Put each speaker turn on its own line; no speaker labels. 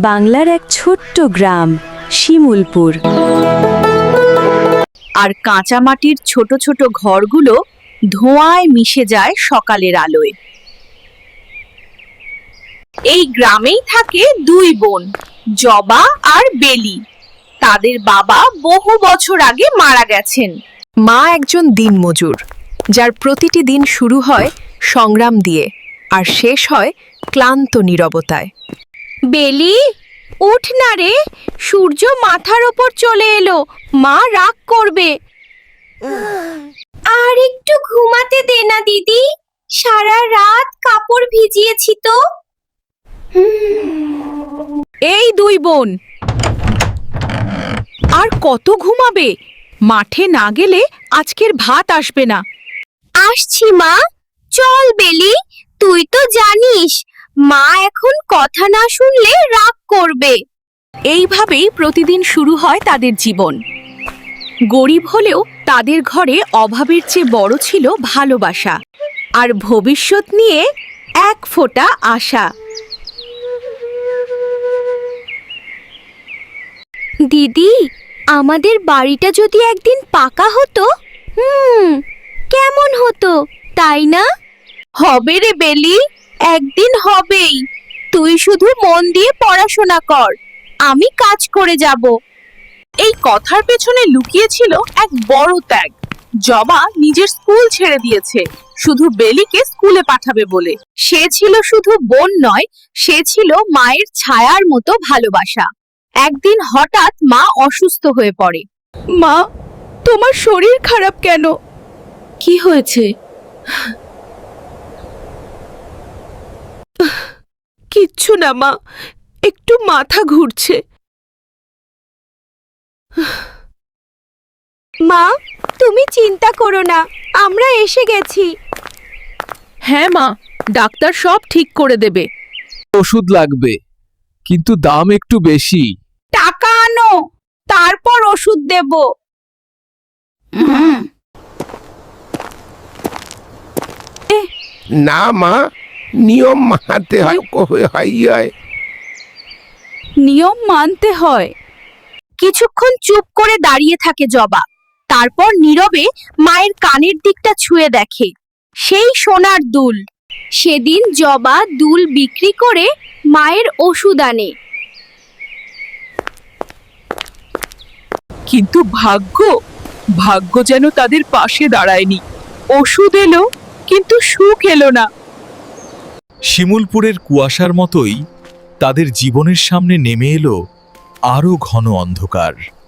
বাংলার এক ছোট্ট গ্রাম শিমুলপুর।
আর কাঁচা মাটির ছোট ছোট ঘরগুলো ধোঁয়ায় মিশে যায় সকালের আলোয়। এই গ্রামেই থাকে দুই বোন, জবা আর বেলি। তাদের বাবা বহু বছর আগে মারা গেছেন।
মা একজন দিনমজুর, যার প্রতিটি দিন শুরু হয় সংগ্রাম দিয়ে আর শেষ হয় ক্লান্ত নীরবতায়।
বেলি, উঠ না রে, সূর্য মাথার ওপর চলে এলো, মা রাগ করবে। আর একটু ঘুমাতে দে না দিদি, সারা রাত কাপড় ভিজিয়েছি তো।
এই দুই বোন আর কত ঘুমাবে? মাঠে না গেলে আজকের ভাত আসবে না।
আসছি মা, চল বেলি, তুই তো জানিস মা এখন কথা না শুনলে রাগ করবে।
এইভাবেই প্রতিদিন শুরু হয় তাদের জীবন। গরিব হলেও তাদের ঘরে অভাবের চেয়ে বড় ছিল ভালোবাসা আর ভবিষ্যৎ নিয়ে এক ফোঁটা আশা।
দিদি, আমাদের বাড়িটা যদি একদিন পাকা হতো, কেমন হতো, তাই না? হবে রে বেলি, একদিন হবেই। তুই শুধু মন দিয়ে পড়াশোনা কর, আমি কাজ করে যাব।
এই কথার পেছনে লুকিয়ে ছিল এক বড় ত্যাগ। জবা নিজের স্কুল ছেড়ে দিয়েছে শুধু বেলিকে স্কুলে পাঠাবে বলে।
সে ছিল শুধু বোন নয়, সে ছিল মায়ের ছায়ার মতো ভালোবাসা। একদিন হঠাৎ মা অসুস্থ হয়ে পড়ে।
মা, তোমার শরীর খারাপ কেন? কি হয়েছে? কিচ্ছু না মা, একটু মাথা ঘুরছে।
মা, তুমি চিন্তা করো না, আমরা এসে গেছি।
হ্যাঁ মা, ডাক্তার সব ঠিক করে দেবে।
ওষুধ লাগবে, কিন্তু দাম একটু বেশি।
টাকা আনো, তারপর ওষুধ দেব।
না মা, নিয়ম মানতে হয়।
নিয়ম মানতে হয়।
কিছুক্ষণ চুপ করে দাঁড়িয়ে থাকে জবা, তারপর নীরবে মায়ের কানের দিকটা ছুঁয়ে দেখে সেই সোনার দুল। সেদিন জবা দুল বিক্রি করে মায়ের ওষুধ আনে।
কিন্তু ভাগ্য যেন তাদের পাশে দাঁড়ায়নি। ওষুধ এলো, কিন্তু সুখ এলো না।
শিমুলপুরের কুয়াশার মতোই তাদের জীবনের সামনে নেমে এলো আরো ঘন অন্ধকার।